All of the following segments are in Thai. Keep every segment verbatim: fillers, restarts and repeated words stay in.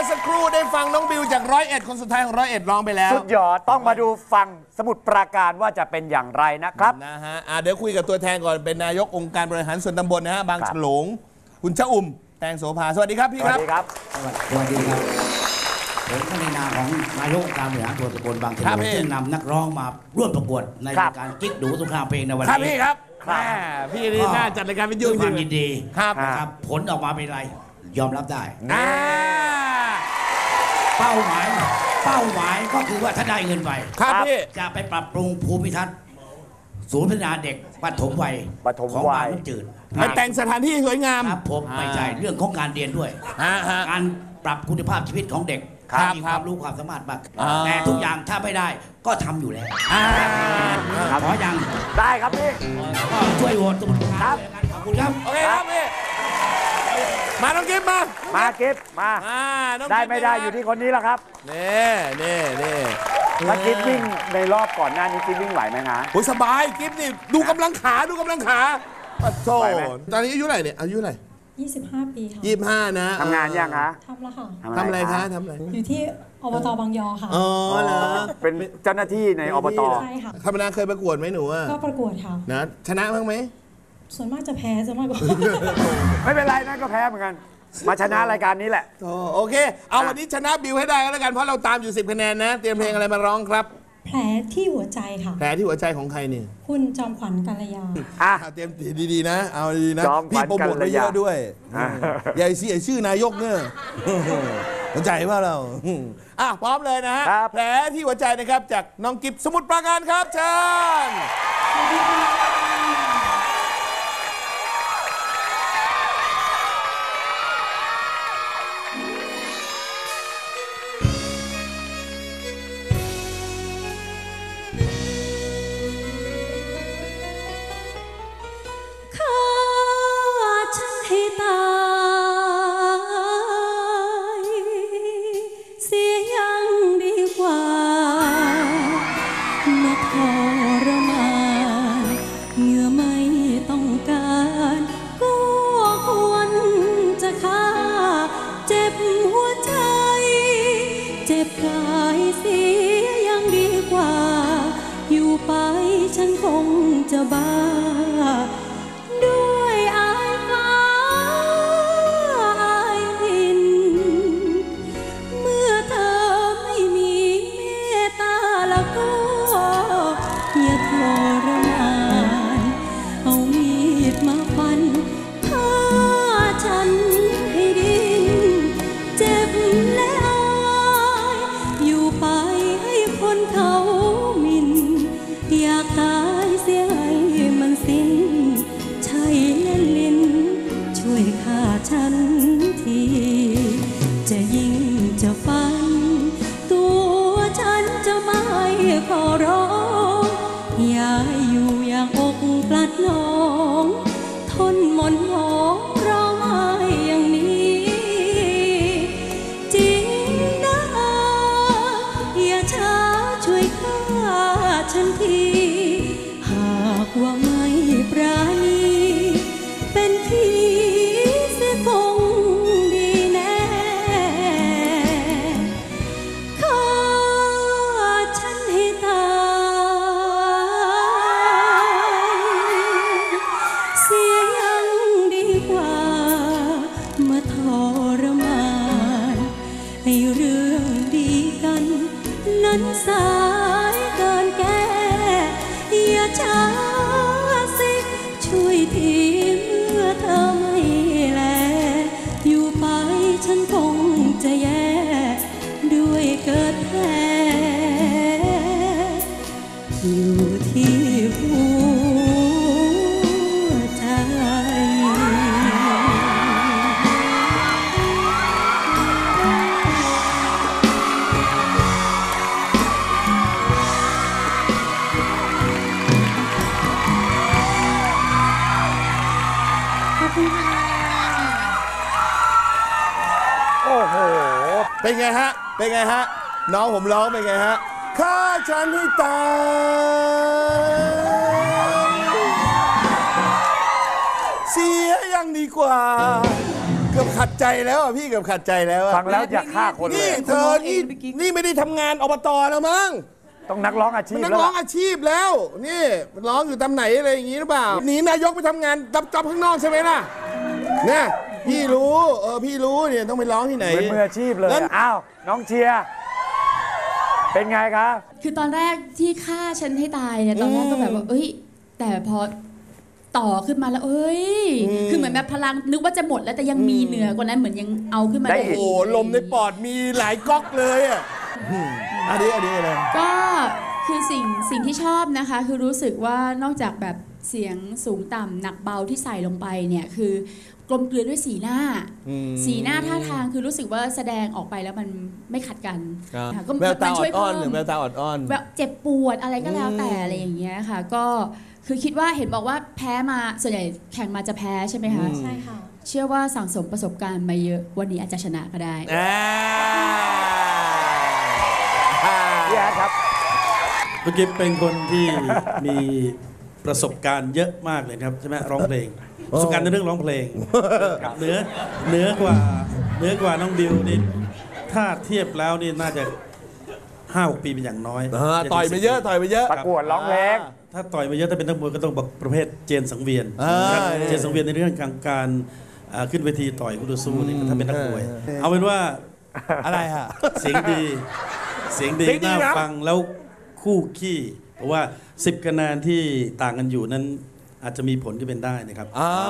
อสักครู่ได้ฟังน้องบิวจากร้อยเอ็ดคนสุดท้ายของร้อยเอ็ดร้องไปแล้วสุดยอดต้องมาดูฟังสมุดปราการว่าจะเป็นอย่างไรนะครับนะฮะเดี๋ยวคุยกับตัวแทนก่อนเป็นนายกองค์การบริหารส่วนตำบลนะฮะบางฉลงคุณชะอุ่มแตงโสภาสวัสดีครับพี่ครับสวัสดีครับสวัสดีครับผมในนามของนายกองค์การบริหารส่วนตำบลบางฉลงซึ่งนำนักร้องมาร่วมประกวดในการกิ๊กดูสงครามเพลงในวันนี้ครับพี่ครับพี่นี่น่าจัดรายการวิทยุด้วยความยินดีครับครับผลออกมาเป็นไรยอมรับได้เป้าหมายเป้าหมายก็คือว่าถ้าได้เงินไปครับพี่จะไปปรับปรุงภูมิทัศน์ศูนย์พัฒนาเด็กปฐมวัยของบางน้ำจืดไปแต่งสถานที่สวยงามครับผมไม่ใช่เรื่องของการเรียนด้วยการปรับคุณภาพชีวิตของเด็กมีความรู้ความสามารถมากแต่ทุกอย่างถ้าไม่ได้ก็ทำอยู่แล้วขอยังได้ครับพี่ก็ช่วยโหวตสมุดครับขอบคุณครับโอเคครับพี่มาน้องกิฟมามากิฟมาได้ไม่ได้อยู่ที่คนนี้แล้วครับนี่นี่นี่ถ้ากิฟวิ่งในรอบก่อนหน้านี้กิฟวิ่งไหวไหมฮะโอ้ยสบายกิฟนี่ดูกำลังขาดูกำลังขาปัดโซ่ตอนนี้อายุเท่าไหร่เนี่ยอายุเท่าไหร่ยี่สิบห้าปีค่ะยี่สิบห้านะทำงานยังคะทำแล้วค่ะทำอะไรคะทำอะไรอยู่ที่อบตบางยอค่ะอ๋อเหรอเป็นเจ้าหน้าที่ในอบตใช่ค่ะธรรมดาเคยประกวดไหมหนูก็ประกวดค่ะนะชนะบ้างไหมส่วนมากจะแพ้ส่วนมากก็ไม่เป็นไรนั่นก็แพ้เหมือนกันมาชนะรายการนี้แหละโอเคเอาวันนี้ชนะบิวให้ได้ก็แล้วกันเพราะเราตามอยู่สิบคะแนนนะเตรียมเพลงอะไรมาร้องครับแผลที่หัวใจค่ะแผลที่หัวใจของใครเนี่ยคุณจอมขวัญกัลยาอ่ะเตรียมดีๆนะเอาดีนะพี่โปรโมทไว้เยอะด้วยใหญ่เสียชื่อนายกเนี่ยเข้าใจว่าเราอ่ะพร้อมเลยนะฮะแผลที่หัวใจนะครับจากน้องกิฟสมุทรปราการครับเชิญฉันคงจะบ้าด้วยอายฟ้าอายดินเมื่อเธอไม่มีเมตตาแล้วก็อย่าทรมานเอามีดมาฟันฆ่าฉันให้ดิ้นเจ็บและอายอยู่ไปให้คนเขามินอยากตายเสียให้มันสิ้นใช่เล่นลิ้นช่วยฆ่าฉันทีจะยิงจะฟันตัวฉันจะไม่ขอร้องอย่าอยู่อย่างอกปลัดน้องทนหม่นหมองร้องไห้อย่างนี้จริงนะอย่าช้าช่วยฆ่าฉันทีหากว่าไม่ปราณีเป็นพี่เสียคงดีแน่ฆ่าฉันให้ตายเสียยังดีกว่ามาทรมานให้เรื่องดีกันนั้นสายเกินแก้อย่าช้าสิช่วยทีเมื่อเธอไม่แลอยู่ไปฉันคงจะแย่ด้วยเกิดแผลอยู่ที่หัวใจโอ้โหเป็นไงฮะเป็นไงฮะน้องผมร้องเป็นไงฮะฆ่าฉันให้ตายเสียยังดีกว่าเกือบขัดใจแล้วอ่ะพี่เกือบขัดใจแล้วอ่ะฟังแล้วอยากฆ่าคนเลนี่ยเธอนี่นี่ไม่ได้ทำงานอบตแล้วมั้งต้องนักร้องอาชีพมันนักแล้วร้องล่ะอาชีพแล้ว นี่ร้องอยู่ตำไหนอะไรอย่างงี้หรือเปล่าหนีนายกไปทำงานรับจ็อบข้างนอกใช่ไหมล่ะเนี่ยพี่รู้เออพี่รู้เนี่ยต้องไปร้องที่ไหนเป็นมืออาชีพเลยงั้นอ้าวน้องเชียร์เป็นไงคะคือตอนแรกที่ฆ่าฉันให้ตายเนี่ยตอนแรกก็แบบว่าเอ้ย แต่พอต่อขึ้นมาแล้วเอ้ย คือเหมือนแบบพลังนึกว่าจะหมดแล้วแต่ยังมีเหนือกว่านั้นเหมือนยังเอาขึ้นมาได้ได้อีกโอ้โหลมในปอดมีหลายก๊อกเลยอ่ะอืมอันนี้อันนี้อะไรก็คือสิ่งสิ่งที่ชอบนะคะ คือรู้สึกว่านอกจากแบบเสียงสูงต่ำหนักเบาที่ใส่ลงไปเนี่ยคือกลมกลืนด้วยสีหน้า สีหน้าท่าทางคือรู้สึกว่าแสดงออกไปแล้วมันไม่ขัดกันค่ะก็แววตามันช่วยอ่อเพิ่นๆหรือมแววตาอ่อนแบบเจ็บปวดอะไรก็แล้วแต่อะไรอย่างเงี้ยค่ะ ก็คือคิดว่าเห็นบอกว่าแพ้มาส่วนใหญ่แข่งมาจะแพ้ใช่ไหมคะใช่ค่ะเชื่อว่าสั่งสมประสบการณ์มาเยอะวันนี้อาจจะชนะก็ได้ๆอ่าพี่แอดครับคุณกิฟเป็นคนที่ มีประสบการณ์เยอะมากเลยครับใช่ไหมร้องเพลงประสบการณ์ในเรื่องร้องเพลงเหนือเหนือกว่าเหนือกว่าน้องบิวนี่ถ้าเทียบแล้วนี่น่าจะห้าหกปีเป็นอย่างน้อยอ่าต่อยไปเยอะต่อยไปเยอะประกวดร้องเพลงถ้าต่อยมาเยอะถ้าเป็นนักมวยก็ต้องบอกประเภทเจนสังเวียนอ่านะครับเจนสังเวียนในเรื่องการการอ่าขึ้นเวทีต่อยคู่ต่อสู้นี่ถ้าเป็นนักมวย เอาเป็นว่าอะไรฮะเสียงดี เสียงดีเสียงดีน่าครับฟังแล้วคู่ขี้เพราะว่าสิบคะแนนที่ต่างกันอยู่นั้นอาจจะมีผลที่เป็นได้นะครับอ่า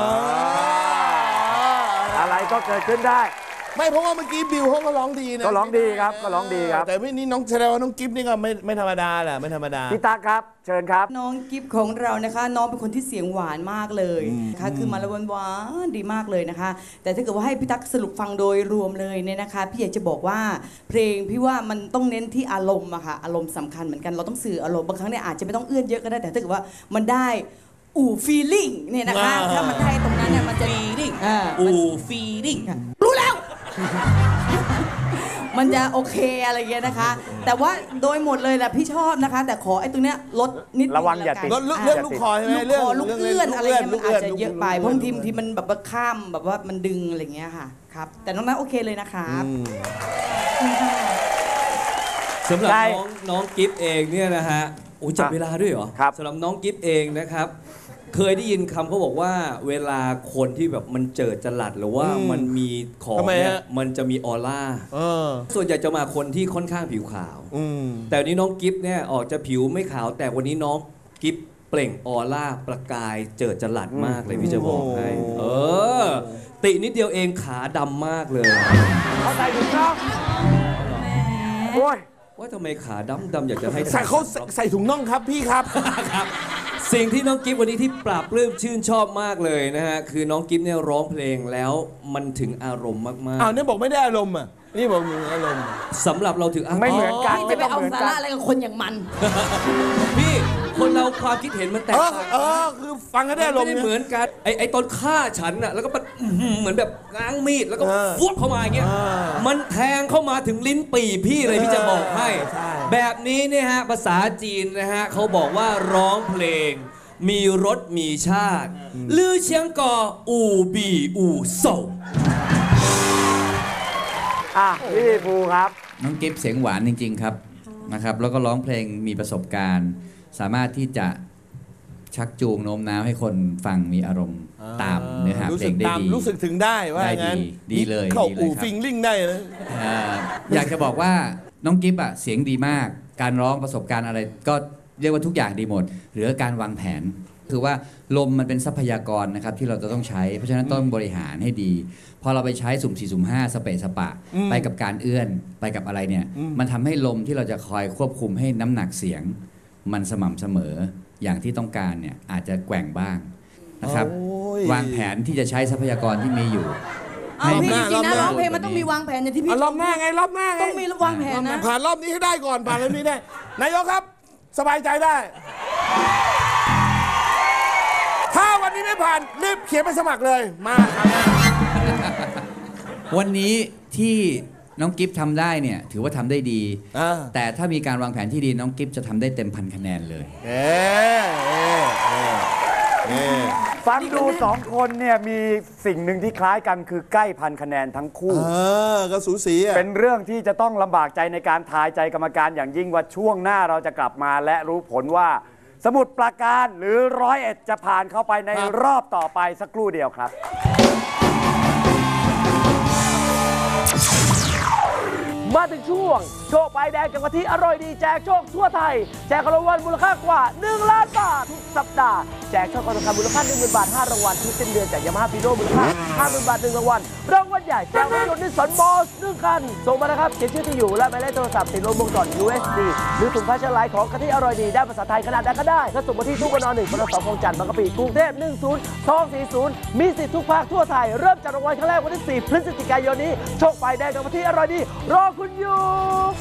อะไรก็เกิดขึ้นได้ไม่เพราะว่าเมื่อกี้บิวเขาก็ร้องดีนะก็ร้องดีครับก็ร้องดีครับแต่ไม่นี่น้องแสดงว่าน้องกิฟนี่ก็ไม่ไม่ธรรมดาแหละไม่ธรรมดาพี่ตั๊กครับ เชิญครับน้องกิฟของเรานะคะ น้องเป็นคนที่เสียงหวานมากเลยนะคะคือมาละวันหวานดีมากเลยนะคะ แต่ถ้าเกิดว่าให้พี่ตั๊กสรุปฟังโดยรวมเลยเนี่ยนะคะ พี่อยากจะบอกว่าเพลงพี่ว่ามันต้องเน้นที่อารมณ์อะค่ะอารมณ์สำคัญเหมือนกันเราต้องสื่ออารมณ์บางครั้งเนี่ยอาจจะไม่ต้องเอื้อนเยอะก็ได้แต่ถ้าเกิดว่ามันได้อู่ฟีลิ่งเนี่ยนะคะอ่าถ้ามันได้ตรงนั้นเนี่ยมันจะ feeling อ่าอูฟีลิ่งรู้แล้ว มันจะโอเคอะไรเงี้ยนะคะ แต่ว่าโดยหมดเลยแหละพี่ชอบนะคะ แต่ขอไอ้ตรงเนี้ยลดนิดนึระวังอย่าติดเรื่องเรื่องลูกคอใช่ไหมลูกเรื่องคอลูกรื่งเอื้อนอะไรเงี้ยลูมันกอาจนจะลูกเยอะไปนเพราะบางทีบางทีมันแบบว่าข้ามแบบว่ามันดึงอะไรเงี้ยค่ะครับ แต่น้องนั้นโอเคเลยนะครับสำหรับได้น้องน้องกิฟเองเนี่ยนะฮะโอ้จับเวลาด้วยเหรอครับสำหรับน้องกิฟเองนะครับ เคยได้ยินคำเขาบอกว่าเวลาคนที่แบบมันเจิดจรัสหรือว่าอืมมันมีของทำไมเนี่ยฮะมันจะมีออร่าเออส่วนใหญ่จะมาคนที่ค่อนข้างผิวขาวอืมแต่วันนี้น้องกิฟเนี่ยออกจะผิวไม่ขาว แต่วันนี้น้องกิฟเปล่งออร่าประกายเจิดจรัสมากเลยพี่จะบอกให้โอ้เออ ตินิดเดียวเองขาดำมากเลยเขาใส่ถุงน่องโอ้ยว่าทำไมขาดำดำอยากจะให้ใส่เขาใส่ใส่ถุงน่องครับพี่ครับครับสิ่งที่น้องกิฟวันนี้ที่ปราบปลื้มชื่นชอบมากเลยนะฮะคือน้องกิฟเนี่ยร้องเพลงแล้วมันถึงอารมณ์มากอ้าวเนี่ยบอกไม่ได้อารมณ์อ่ะนี่บอกมีอารมณ์ๆสำหรับเราถึงอารมณ์ไม่เหมือนกันพี่ไม่จะไปต้องเอาเหมือนสากัระนอะไรกับคนอย่างมันพี่คนเราความคิดเห็นมันแตเอก อต่างเออคือฟังกันได้อารไม่มณ์ได้เนี่ยเหมือนกันไอไอตอนฆ่าฉันน่ะแล้วก็มันอื้อหือเหมือนแบบง้างมีดแล้วก็เออฟวดเข้ามาอย่างเงี้ยเออมันแทงเข้ามาถึงลิ้นปี่พี่เลยพี่จะบอกให้ใช่แบบนี้เนี่ยฮะภาษาจีนนะฮะเขาบอกว่าร้องเพลง มีรสมีชาติลือเชียงกออูบีอูโซอ่ะพี่ภูครับน้องกิฟเสียงหวานจริง ๆ ครับนะครับ แล้วก็ร้องเพลงมีประสบการณ์ สามารถที่จะชักจูงโน้มน้าวให้คนฟังมีอารมณ์ตามเนื้อหารู้เพลสึกงได้ตามดีรู้สึกถึงได้ว่าได้งั้นดีดีเลยเข้าดีเลยอู่ครับฟิงลิ่งได้นะเอ่ออยากจะบอกว่าน้องกิฟอะเสียงดีมาก การร้องประสบการณ์อะไร ก็เรียกว่าทุกอย่างดีหมดเหลือการวางแผน คือว่าลมมันเป็นทรัพยากรนะครับที่เราจะต้องใช้ เพราะฉะนั้นต้องบริหารให้ดี พอเราไปใช้สุ่มสี่สุ่มห้าสเปะสปะ ไปกับการเอื้อนไปกับอะไรเนี่ย มันทำให้ลมที่เราจะคอยควบคุมให้น้ำหนักเสียง มันสม่ำเสมออย่างที่ต้องการเนี่ยอาจจะแกว่งบ้างนะครับโอ้ยวางแผนที่จะใช้ทรัพยากรที่มีอยู่เอาพี่รจอบหน้าริงๆนะร้องเพลงมันต้องมีวางแผนอย่างที่พี่อ่ะรอบหน้าไงรอบหน้าไงต้องมีวางแผนนะผ่านรอบนี้ให้ได้ก่อนผ่านรอบนี้ได้ นายกครับ สบายใจได้ ถ้าวันนี้ไม่ผ่านรีบเขียนไปสมัครเลยมาครับวันนี้ที่น้องกิฟทำได้เนี่ยถือว่าทำได้ดีอ่าแต่ถ้ามีการวางแผนที่ดีน้องกิฟจะทำได้เต็มพันคะแนนเลยเอ๊ะเอ๊ะเอ๊ะเอ๊ะฟังดูสองคนเนี่ยมีสิ่งหนึ่งที่คล้ายกันคือใกล้พันคะแนนทั้งคู่เออก็สูสีอ่ะเป็นเรื่องที่จะต้องลำบากใจในการทายใจกรรมการอย่างยิ่งว่าช่วงหน้าเราจะกลับมาและรู้ผลว่า สมุทรปราการหรือร้อยเอ็ดจะผ่านเข้าไปในรอบต่อไปสักครู่เดียวครับมาถึงช่วงโชคใบแดงกับกะทิอร่อยดีแจกโชคทั่วไทยแจกรางวัลมูลค่ากว่าหนึ่งล้านบาททุกสัปดาห์แจกช่องคอนทองคำมูลค่า หนึ่งหมื่น บาทห้ารางวัลทุกสิ้นเดือนจากยามาฮ่าฟีโน่มูลค่า ห้าหมื่น บาทหนึ่งรางวัลรางวัลใหญ่แจกรถยนต์นิสสันบอสหนึ่งคันส่งมานะครับเขียนชื่อที่อยู่และหมายเลขโทรศัพท์ติดลงวงจร ยู เอส ดี หรือถุงผ้าเชื้อไหลของกะทิอร่อยดีได้ภาษาไทยขนาดใดก็ได้ถ้าส่งมาที่ตู้ปนหนึ่งปนสองคลองจันทร์บางกะปิกรุงเทพหนึ่งศูนย์สองสี่ศูนย์มีสิทธิ์ทุกภาคทั่วไทยเริ่มจากรางวัลครั้งแรกวันที่สี่พฤศจิกายนนี้โชคใบแดงกับกะทิอร่อยดีรอคุณอยู่